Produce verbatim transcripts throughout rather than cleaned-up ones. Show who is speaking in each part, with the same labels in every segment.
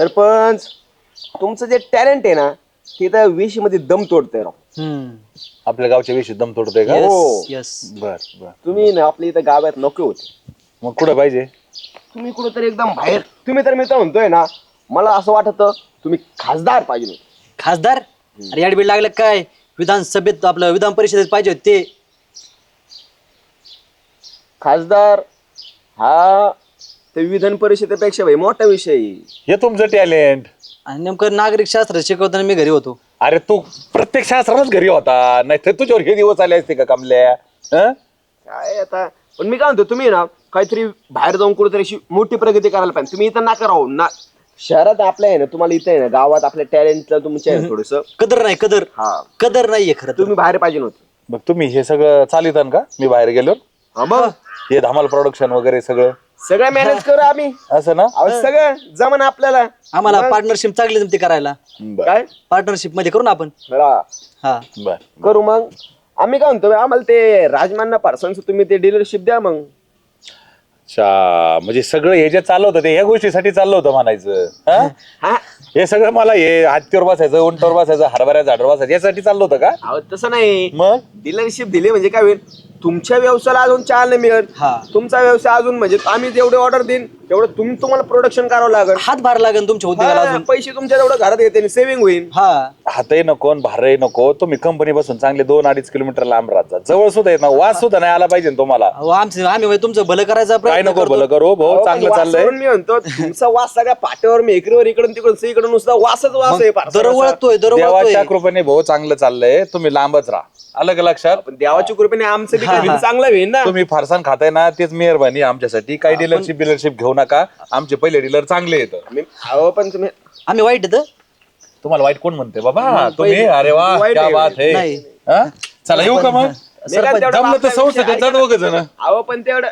Speaker 1: सरपंच तुमचं जे टॅलेंट आहे ना ते तर विष मध्ये दम तोडतंय राव.
Speaker 2: आपल्या गावच्या विषयी दम तोडतोय का?
Speaker 1: हो.
Speaker 3: यस
Speaker 2: बर बर.
Speaker 1: तुम्ही ना आपल्या इथं गावात नको होते.
Speaker 2: मग कुठं पाहिजे?
Speaker 1: तुम्ही कुठंतरी एकदम बाहेर. तुम्ही तर मी तर म्हणतोय ना मला असं वाटत तुम्ही खासदार पाहिजे.
Speaker 3: खासदार? अरे याडबीड लागलं काय? विधानसभेत आपलं विधान परिषदेत पाहिजे होते ते.
Speaker 1: खासदार हा ते विधान परिषदेपेक्षा भाई मोठा विषय आहे.
Speaker 2: हे तुमचं टॅलेंट.
Speaker 3: आणि नेमकं नागरिक शास्त्र शिकवताना मी घरी होतो.
Speaker 2: अरे तू प्रत्येक शास्त्रालाच घरी होता, नाही तर तुझ्यावर हे दिवस आले असते का कमल्या? हं?
Speaker 1: काय आता पण मी काय म्हणतो तुम्ही ना काहीतरी बाहेर जाऊन कुठेतरी अशी मोठी प्रगती करायला पाहिजे. तुम्ही इथं नका राहू ना. शहरात आपल्या आहे ना तुम्हाला इथं आहे ना गावात आपल्या टॅलेंटला तुमच्या आहे थोडस
Speaker 3: कदर नाही कदर.
Speaker 1: हा
Speaker 3: कदर नाहीये खरं तर.
Speaker 1: तुम्ही बाहेर पाहिजे नव्हतं.
Speaker 2: मग तुम्ही हे सगळं चालितान का मी बाहेर गेलो?
Speaker 1: हा मग
Speaker 2: हे धमाल प्रोडक्शन वगैरे सगळं
Speaker 1: सगळं मॅनेज करू आम्ही.
Speaker 2: असं ना?
Speaker 1: अहो, सगळं जमन आपल्याला.
Speaker 3: आम्हाला पार्टनरशिप चांगली जमते करायला.
Speaker 2: बर
Speaker 1: काय
Speaker 3: पार्टनरशिप मध्ये करू ना आपण.
Speaker 1: बरं,
Speaker 3: हा
Speaker 2: बर.
Speaker 1: करू मग. आम्ही काय म्हणतो आम्हाला ते राजमान्य पार्सनचं तुम्ही ते डीलरशिप द्या मग.
Speaker 2: अच्छा, म्हणजे सगळं हे जे चाललं होतं ते ह्या गोष्टीसाठी चाललं होतं म्हणायचं. हं?
Speaker 1: हा
Speaker 2: हे सगळं मला हे हत्तीवर बसायचं, उंटावर बसायचं, हरभऱ्या झाडावर बसायचं यासाठी चाललं होतं का?
Speaker 1: अहो तसं नाही.
Speaker 2: मग
Speaker 1: डीलरशिप दिली म्हणजे काय होईल तुमच्या व्यवसायाला अजून चालना मिळेल.
Speaker 3: हा.
Speaker 1: तुमचा व्यवसाय अजून म्हणजे आम्ही जेवढे ऑर्डर देईन तेवढं तुम्ही तुम्हाला प्रोडक्शन करावं लागेल.
Speaker 3: हात भार लागेल तुमच्या उद्योगाला
Speaker 1: हा,
Speaker 3: अजून.
Speaker 1: पैसे तुमच्या तेवढं घरात येते सेव्हिंग होईल.
Speaker 3: हा
Speaker 2: हातही नको भारही नको. तुम्ही कंपनी बसून चांगले दोन अडीच किलोमीटर लांब राहता. जवळ सुद्धा येत ना वास सुद्धा नाही आला पाहिजे ना तुम्हाला.
Speaker 3: अहो, आमचं आम्ही म्हणजे तुमचं भलं करायचा
Speaker 2: काय
Speaker 3: प्रयत्न
Speaker 2: नको
Speaker 3: करतो.
Speaker 2: भलं करू भाऊ,
Speaker 1: अहो,
Speaker 2: चांगलं
Speaker 1: पण
Speaker 2: चाललंय.
Speaker 1: वासावरून मी म्हणतो तुमचा वास सगळ्या पाट्यावर मेकरीवर इकडून तिकडून सगळीकडे नुसता वासच वास आहे. फारसा
Speaker 3: दर
Speaker 1: वास.
Speaker 3: वळतोय दर
Speaker 2: देवाच्या
Speaker 3: वळतोय.
Speaker 2: कृपेने भाऊ चांगलं चाललंय. तुम्ही लांबच राहा. आलं का लक्षात?
Speaker 1: पण देवाच्या कृपेने आमचं बी काही चांगलं होईल ना.
Speaker 2: तुम्ही फारसान खाताय ना तेच मेहरबानी आमच्यासाठी. काही डीलरशिप डीलरशिप घेऊ नका. आमचे पहिले डीलर चांगले येतं.
Speaker 1: आम्ही- अहो पण तुम्ही
Speaker 3: आम्ही वाईट येतं
Speaker 2: तुम्हाला वाईट कोण म्हणते बाबा? तुम्ही अरे वा
Speaker 1: वाईट
Speaker 2: क्या
Speaker 1: आहे.
Speaker 2: बात है.
Speaker 3: नाही.
Speaker 2: हा? चला येऊ का मग?
Speaker 1: मी काय तेवढं
Speaker 2: जमलं तर
Speaker 1: आपल्या
Speaker 2: संस्थेत
Speaker 1: विषयी
Speaker 2: जात दोघं जण.
Speaker 1: अहो पण तेवढं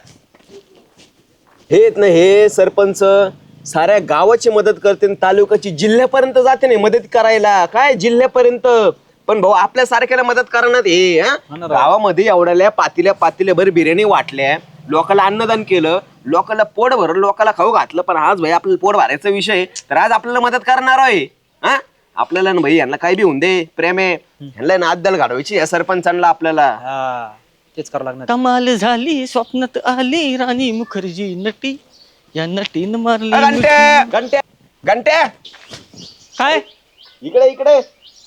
Speaker 1: हे येत ना हे सरपंच साऱ्या गावाची मदत करते तालुक्याची जिल्ह्यापर्यंत जाते नाही मदत करायला. काय जिल्ह्यापर्यंत. पण भाऊ आपल्या सारख्याला मदत करणार हे हा? गावामध्ये एवढ्या पातील्या पातील्या भर बिर्याणी वाटल्या, लोकांना अन्नदान केलं, लोकांना पोट भरलं, लोकांना खाऊ घातलं. पण आज भाई आपल्याला पोट भरायचा विषय आहे, तर आज आपल्याला मदत करणार आहे. हा आपल्याला ना भाई यांना काय बी होऊन दे प्रेम आहे ह्यांना ना अद्दल घडवायची या सरपंचांना आपल्याला.
Speaker 3: हा तेच करावं लागणार.
Speaker 4: कमाल झाली स्वप्नात आली राणी मुखर्जी नटी या नटीन मारली
Speaker 1: घंट्या घंट्या घंट्या
Speaker 4: काय
Speaker 1: इकडे इकडे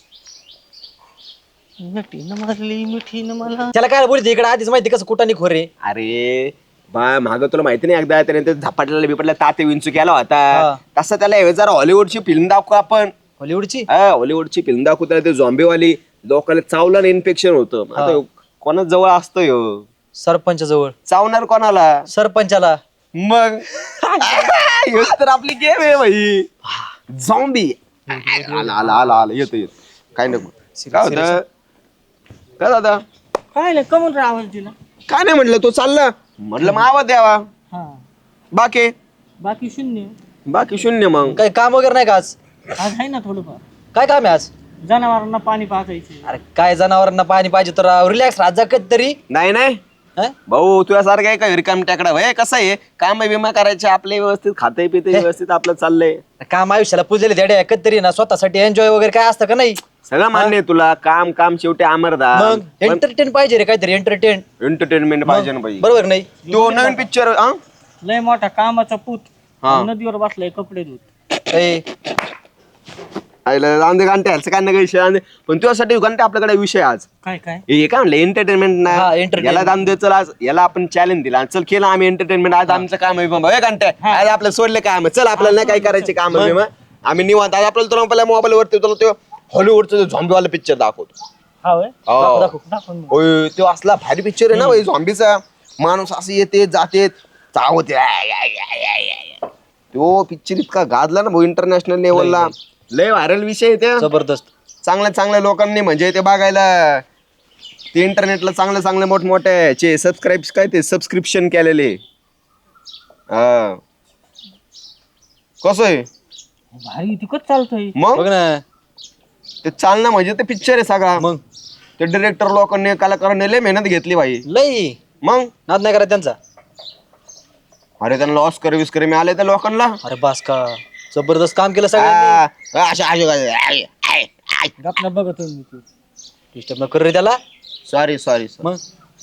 Speaker 4: नटीन मारली मिठीन मला.
Speaker 3: त्याला काय बोलते इकडे आधीच माहिती कसं कुठाने खोरे.
Speaker 1: अरे बा माग तुला माहिती नाही एकदा त्याने ते झपाटला बिपटला ताते विंचू केला
Speaker 3: हा.
Speaker 1: होता तसं त्याला हे जरा हॉलिवूडची फिल्म दाखवू आपण.
Speaker 3: हॉलिवूडची.
Speaker 1: हा हॉलिवूडची फिल्म दाखवू त्याला ते झॉम्बीवाली लोकांना चावलं इन्फेक्शन होतं. आता कोणाच जवळ असतो ह्यो
Speaker 3: सरपंच जवळ.
Speaker 1: चावणार कोणाला?
Speaker 3: सरपंचाला.
Speaker 1: मग ह्योच तर आपली गेम आहे भाई. झॉम्बी आला आला आला आला येतो येतो काय नको. काय होतं काय दादा
Speaker 4: काय नाही कमून आवाज दिला.
Speaker 1: काय नाही म्हटलं तो चालला म्हटलं मग आवाज द्यावा.
Speaker 4: हा
Speaker 1: बाकी
Speaker 4: बाकी शून्य.
Speaker 1: बाकी शून्य. मग
Speaker 3: काही काम वगैरे नाही का आज?
Speaker 4: आज आहे ना थोडंफार.
Speaker 3: काय काम आहे आज?
Speaker 4: जनावरांना पाणी पाजायचे.
Speaker 3: अरे काय जनावरांना पाणी पाहिजे तर रिलॅक्स राहत जा कधीतरी.
Speaker 1: नाही नाही
Speaker 3: हं?
Speaker 1: भाऊ तुझ्यासारखं आहे का रिकाम टाकडा भाई. कसं आहे काम विमा करायचे आपले व्यवस्थित खाते पिते व्यवस्थित आपलं चाललंय.
Speaker 3: काम आयुष्याला पुजलेले धडे कधीतरी ना स्वतःसाठी एन्जॉय वगैरे काय असतं का नाही?
Speaker 1: सगळं मान्य आहे तुला. काम काम शेवटी अमरदा.
Speaker 3: मग एंटरटेन पाहिजे रे काहीतरी एंटरटेन.
Speaker 1: एंटरटेनमेंट पाहिजे ना भाई.
Speaker 3: बरोबर नाही?
Speaker 1: तो नवीन पिक्चर
Speaker 4: लय मोठा कामाचा पूत
Speaker 1: हा.
Speaker 4: नदीवर बसलाय कपडे धुत.
Speaker 3: ए,
Speaker 1: गांधे गांठे ह्याचं काय नाही विषय आणि पण तुझ्यासाठी घंटे आपल्याकडे विषय आज
Speaker 4: काय काय
Speaker 1: हे काय म्हणलं एंटरटेनमेंट
Speaker 3: हा,
Speaker 1: नाही
Speaker 3: entertainment.
Speaker 1: याला दाम दे चल आज याला आपण चॅलेंज दिला चल केलं आम्ही एंटरटेनमेंट. आज आमचं काम आहे बाबा घंटे आज आपल्याला सोडले काम चल आपल्याला नाही काय करायचे काम आहे मग आम्ही निवांत आज आपल्याला तुला पहिल्या मोबाईल वरती तुला तो हॉलिवूडचा झॉम्बीवाला पिक्चर दाखवतो.
Speaker 4: हा होय
Speaker 1: हो.
Speaker 3: दाखव.
Speaker 4: दाखव मग.
Speaker 1: होय तो असला भारी पिक्चर आहे ना भाई. झॉम्बीचा माणूस असं येते जाते चावते तो पिक्चर इतका गाजला ना भाऊ इंटरनॅशनल लेवलला. लय व्हायरल विषय आहे त्या.
Speaker 3: जबरदस्त.
Speaker 1: चांगल्या चांगल्या लोकांनी म्हणजे ते बघायला ते इंटरनेटला चांगले चांगले मोठमोठ्याचे सबस्क्राईब काय ते सबस्क्रिप्शन केलेले. हा कसं आहे
Speaker 4: भारी तिकट चालतोय.
Speaker 1: मग
Speaker 3: बघ ना.
Speaker 1: ते चालणं म्हणजे ते पिक्चर आहे सगळा.
Speaker 3: मग
Speaker 1: ते डिरेक्टर लोकांनी कलाकारांनी लय मेहनत घेतली भाई.
Speaker 3: लई
Speaker 1: मग
Speaker 3: नाद नाही करा त्यांचा.
Speaker 1: अरे त्यांना ऑस्कर विस्कर मिळाले त्या लोकांना.
Speaker 3: अरे बास का. जबरदस्त काम केलं सगळ्यांनी.
Speaker 1: आ, अशा अशा
Speaker 3: गपना बघत डिस्टर्ब न कर रे त्याला.
Speaker 1: सॉरी सॉरी
Speaker 3: मग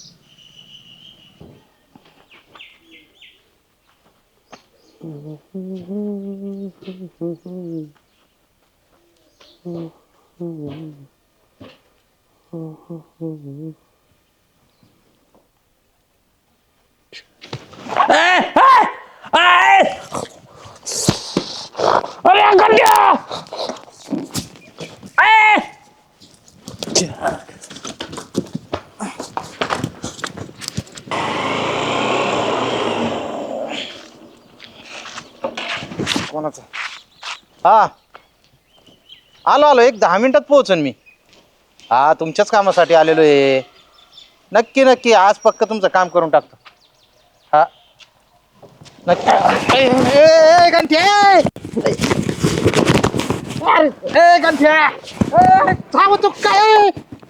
Speaker 5: कोणाचा हा आलो आलो एक दहा मिनिटात पोहोचन मी. हा तुमच्याच कामासाठी आलेलो आहे. नक्की नक्की आज पक्क तुमचं काम करून टाकतो. हा नक्की. ए, ए, ए, गंठ्या! ए, गंठ्या! ए, थांब तू काय?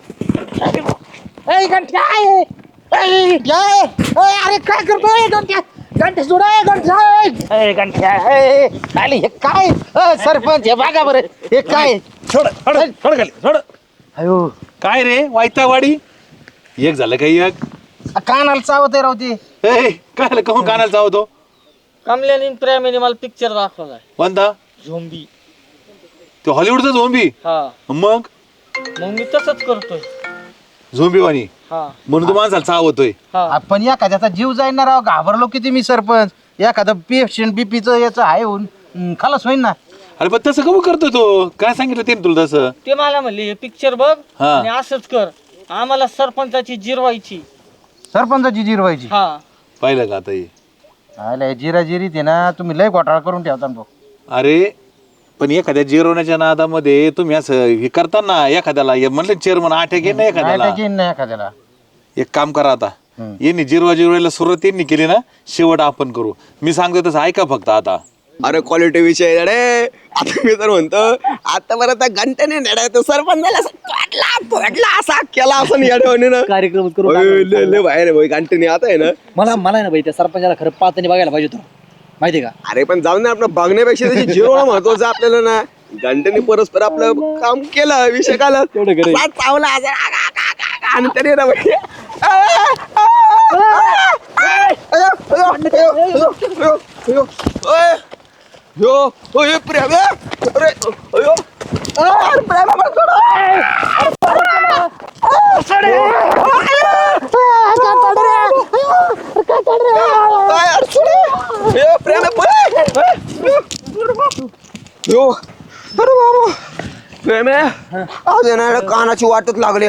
Speaker 5: ए, गंठ्या! ए, या! ए, अरे काय करतोय गंठ्या? गंठ्या सोड ए, गंठ्या! ए, गंठ्या! ए, आले हे काय? ए, सरपंच हे बघा बरं हे काय?
Speaker 2: सोड सोड सोड खाली सोड.
Speaker 5: अयो
Speaker 2: काय रे वायतावाडी एक झालं काही एक.
Speaker 5: कानाला चावत आहे राव ते.
Speaker 2: ए, काय झालं कहून कानाला चावतो.
Speaker 4: कमल्याने प्रेमीने मला पिक्चर दाखवलाय
Speaker 2: कोणता
Speaker 4: झोंबी.
Speaker 2: तो हॉलिवूडचा झोंबी.
Speaker 4: हा
Speaker 2: मग
Speaker 4: मग मी तसंच करतोय.
Speaker 2: झोंबीवाणी
Speaker 4: हा
Speaker 2: म्हणून तू माणसाला चावतोय.
Speaker 4: हा
Speaker 5: आपण एखाद्याचा जीव जाईन ना राव. घाबरलो किती मी सरपंच. एखादं पेशंट बीपीचं याचं आहे होऊन हम्म, खलास होईन ना.
Speaker 2: अरे पण तसं कमी करतो तो. काय सांगितलं ते तुला तसं.
Speaker 4: ते मला म्हणले हे पिक्चर बघ
Speaker 2: हा.
Speaker 4: आणि असंच कर. आम्हाला सरपंचाची जिरवायची.
Speaker 5: सरपंचाची जिरवायची.
Speaker 4: हा
Speaker 2: पाहिलं का आता हे.
Speaker 5: आले जिरा जिरीत आहे ना. तुम्ही लय घोटाळा करून ठेवता ना भाऊ.
Speaker 2: अरे पण एखाद्या जिरवण्याच्या नादामध्ये तुम्ही असं हे करताना एखाद्याला हे म्हणलं चेअरमन आठ घे ना एखाद्याला.
Speaker 5: नाही येईन ना एखाद्याला.
Speaker 2: एक काम करा आता यांनी जिरवा जिरवायला सुरुवात यांनी केली ना शेवट आपण करू. मी सांगतो तसं ऐका फक्त आता.
Speaker 1: अरे क्वालिटी विषय आहे रे. आता मी तर म्हणतो आता बरं त्या घंट्याने नेडा तो सरपंचाला असं तोडला तोडला असा केला असं येड्यावानी ना.
Speaker 3: कार्यक्रम करू.
Speaker 1: ओय, लय लय बाहेर भाई घंट्याने आता आहे ना.
Speaker 3: मला मला आहे ना भाई त्या सरपंचाला खरं पाहताना बघायला पाहिजे होतं माहिती का.
Speaker 1: अरे पण जाऊन ना आपलं बघण्यापेक्षा त्याची जिरवणं महत्वाचं आपल्याला ना. घंट्याने परस्पर आपलं काम केलं विषय काला चावला असा, आ, आ, आ, आ, आ, आणि त्याने ना भाई आ, आ, आ, अयो, अयो, अयो, अयो, अयो, अयो, ओय, यो, ओय, प्रेम, अरे, अयो, अरे, प्रेम, अरे, सोड, अरे, अरे, सोड, अरे, अरे, अरे, सोड, यो, प्रेम, यो, अरे बाबा प्रेम आहे आज येणार कानाची वाटच लागली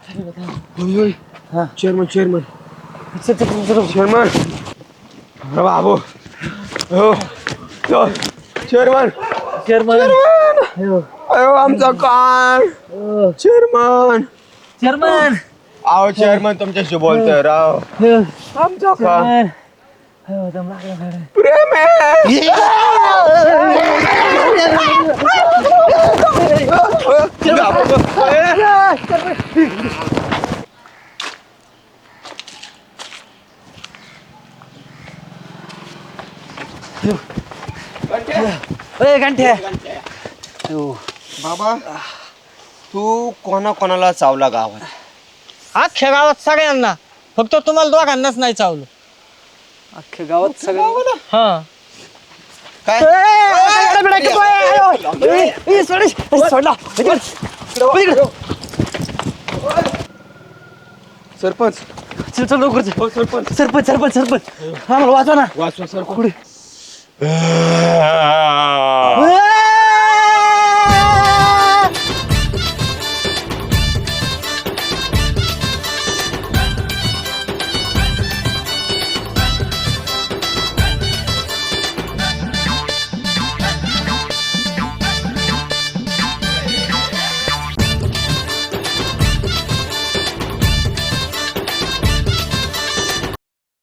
Speaker 1: चेअरमन चेअरमन चेअरमन अरे बाबू हो चेअरमन
Speaker 3: चेअरमन
Speaker 1: अयो आमचा कान चेअरमन
Speaker 3: चेअरमन
Speaker 1: आहो चेअरमन तुमच्याशी बोलतोय राव आमचा कान प्रेम आहे
Speaker 3: घंटे
Speaker 1: बाबा तू कोणा कोणाला चावला गावात
Speaker 4: अख्ख्या गावात सगळ्यांना. फक्त तुम्हाला दोघांनाच नाही चावलं.
Speaker 3: अख्ख्या गावात सगळं.
Speaker 4: हा
Speaker 1: काय सरपंच
Speaker 3: चल चल लवकर चल. सरपंच सरपंच सरपंच आम्हाला वाचवा ना.
Speaker 1: वाचवा सरपंच